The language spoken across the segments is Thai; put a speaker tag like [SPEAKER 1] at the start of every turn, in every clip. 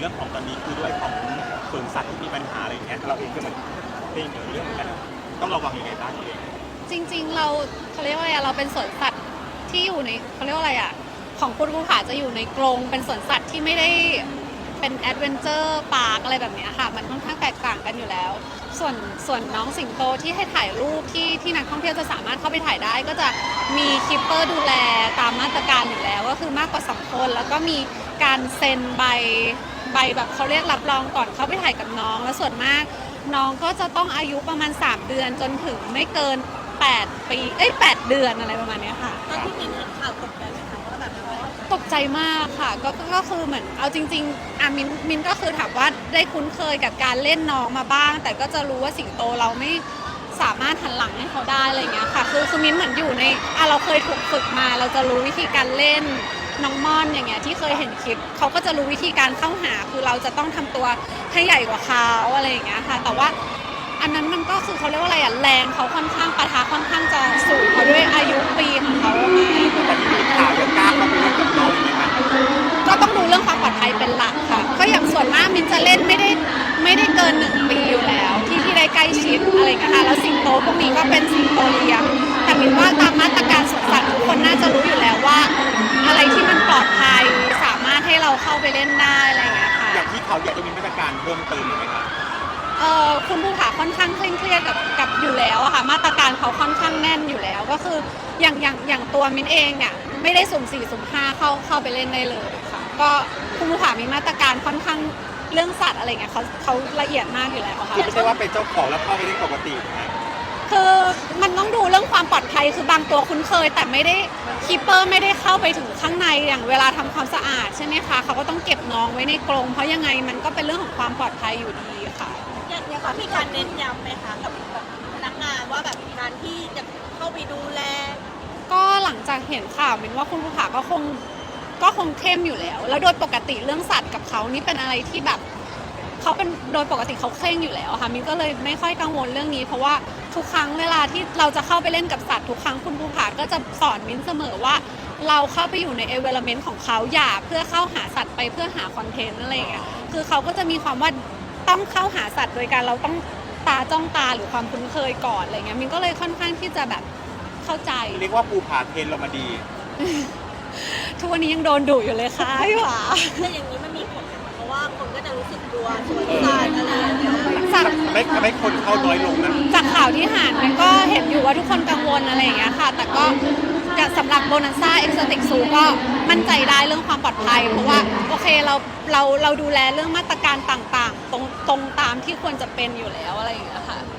[SPEAKER 1] รื่องของตอนนี้คือด้วยของสวนสัตว์ที่มีปัญหาอะไรอย่างเงี้ยเราเองก็เหมือนเป็นเรื่องกันต้องระวังยังไงบ้างเอง
[SPEAKER 2] จริงๆเขาเรียกว่าอะไรเราเป็นสวนสัตว์ที่อยู่ในเขาเรียกว่าอะไรอ่ะของคุณภูผาจะอยู่ในกรงเป็นสวนสัตว์ที่ไม่ได้เป็นแอดเวนเจอร์พาร์คอะไรแบบนี้ค่ะมันค่อนข้างแตกต่างกันอยู่แล้วส่วนน้องสิงโตที่ให้ถ่ายรูปที่นักท่องเที่ยวจะสามารถเข้าไปถ่ายได้ก็จะมีคีปเปอร์ดูแลตามมาตรการอยู่แล้วก็คือมากกว่า2 คนแล้วก็มีการเซ็นใบแบบเขาเรียกรับรองก่อนเข้าไปถ่ายกับน้องแล้วส่วนมากน้องก็จะต้องอายุประมาณ3 เดือนจนถึงไม่เกิน8 ปี8 เดือนอะไรประมาณนี้ค่ะ
[SPEAKER 3] ตอนที่มินเห็นข่าวตกใจไหมคะว่าแบบ
[SPEAKER 2] ตกใจมากค่ะก็คือเหมือนเอาจริงๆมินก็คือถามว่าได้คุ้นเคยกับการเล่นน้องมาบ้างแต่ก็จะรู้ว่าสิงโตเราไม่สามารถหันหลังให้เขาได้อะไรเงี้ยค่ะคือมินเหมือนอยู่ในเราเคยถูกฝึกมาเราจะรู้วิธีการเล่นน้องม่อนอย่างเงี้ยที่เคยเห็นคลิปเขาก็จะรู้วิธีการเข้าหาคือเราจะต้องทำตัวให้ใหญ่กว่าเขาอะไรอย่างเงี้ยค่ะแต่ว่าอันนั้นมันก็คือเขาเรียกว่าอะไรแรงเขาค่อนข้างปะทะค่อนข้างจะสูงเพราะด้วยอายุปีของเขาไหม
[SPEAKER 1] แต่ที่มีข่าวยังกล้าเข้าไปเล่นกับน้องอยู่ไหมคะ
[SPEAKER 2] ก็ต้องดูเรื่องความปลอดภัยเป็นหลักค่ะก็อย่างส่วนมากมินจะเล่นไม่ได้เกิน1 ปีอยู่แล้วที่ได้ใกล้ชิดอะไรกันค่ะแล้วสิงโตพวกนี้ก็เป็นสิงโตเลี้ยงแต่มินว่าตามมาตรการสวนสัตว์ทุกคนน่าจะรู้อยู่แล้วว่าอะไรที่มันปลอดภัยสามารถให้เราเข้าไปเล่นได้อะไรอย่างเงี้ยค่ะ
[SPEAKER 1] อย่างที่เขาอยากจะมีมาตรการเพิ่มเติมไหมคะ
[SPEAKER 2] คุณภูผาค่อนข้างเคร่งเครียดกับอยู่แล้วอะค่ะมาตรการเขาค่อนข้างแน่นอยู่แล้วก็คืออย่างตัวมินเองเนี่ยไม่ได้สุ่ม4สุ่ม5เข้าไปเล่นได้เลยค่ะก็คุณภูผามีมาตรการค่อนข้างเรื่องสัตว์อะไรเงี้ยเขาละเอียดมากอยู่แล้วค่ะ
[SPEAKER 1] คือไม่ใช่ว่าเป็นเจ้าของแล้วเข้าไปได้ปกตินะ
[SPEAKER 2] คือมันต้องดูเรื่องความปลอดภัยคือบางตัวคุ้นเคยแต่ไม่ได้คีปเปอร์ไม่ได้เข้าไปถึงข้างในอย่างเวลาทำความสะอาดใช่ไหมคะเขาก็ต้องเก็บน้องไว้ในกรงเพราะยังไงมันก็เป็นเรื่องของความปลอดภัยอยู่ดีค่ะ
[SPEAKER 3] อย่างเขามีการเน้นย้ำไหมคะกับพนักงานว่าแบบการที่จะเข้าไปดูแล
[SPEAKER 2] ก็หลังจากเห็นข่าวมินว่าคุณภูผาก็คงเข้มอยู่แล้วแล้วโดยปกติเรื่องสัตว์กับเขานี่เป็นอะไรที่แบบเขาเป็นโดยปกติเขาเคร่งอยู่แล้วค่ะมินก็เลยไม่ค่อยกังวลเรื่องนี้เพราะว่าทุกครั้งเวลาที่เราจะเข้าไปเล่นกับสัตว์ทุกครั้งคุณภูผาก็จะสอนมินเสมอว่าเราเข้าไปอยู่ในเอเวอร์เมนต์ของเขาอย่าเพื่อเข้าหาสัตว์ไปเพื่อหาคอนเทนต์อะไรอย่างเงี้ยคือเขาก็จะมีความว่าต้องเข้าหาสัตว์โดยการเราต้องตาจ้องตาหรือความคุ้นเคยก่อนอะไรเงี้ยมินก็เลยค่อนข้างที่จะแบบเข้าใจ
[SPEAKER 1] เรียกว่าภูผาเทรนเรามาดี
[SPEAKER 2] ทุกวันนี้ยังโดนดุอยู่เลยค่ะพี่หวา
[SPEAKER 3] แต่อย่างนี้มันมีผลเพราะว่าคนก็จะรู้สึกกลัวสวนสัตว์อะไรอย่างเงี้ย
[SPEAKER 1] ทำให้คนเข้าน้อยลงนะ
[SPEAKER 2] จากข่าวที่ห่านมันก็เห็นอยู่ว่าทุกคนกังวลอะไรอย่างเงี้ยค่ะแต่ก็สำหรับโบนัสซ่าเอ็กซ์ติกซูก็มั่นใจได้เรื่องความปลอดภัยเพราะว่าโอเคเราดูแลเรื่องมาตรการต่างๆตรงตามที่ควรจะเป็นอยู่แล้วอะไรอย่างเงี้ยค่ะ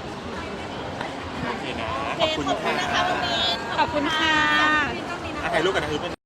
[SPEAKER 1] โอเคนะ
[SPEAKER 3] ขอบคุณนะคะคุณมิน
[SPEAKER 2] ขอบคุณค่ะ
[SPEAKER 1] ถ่ายรูปกันนะคือ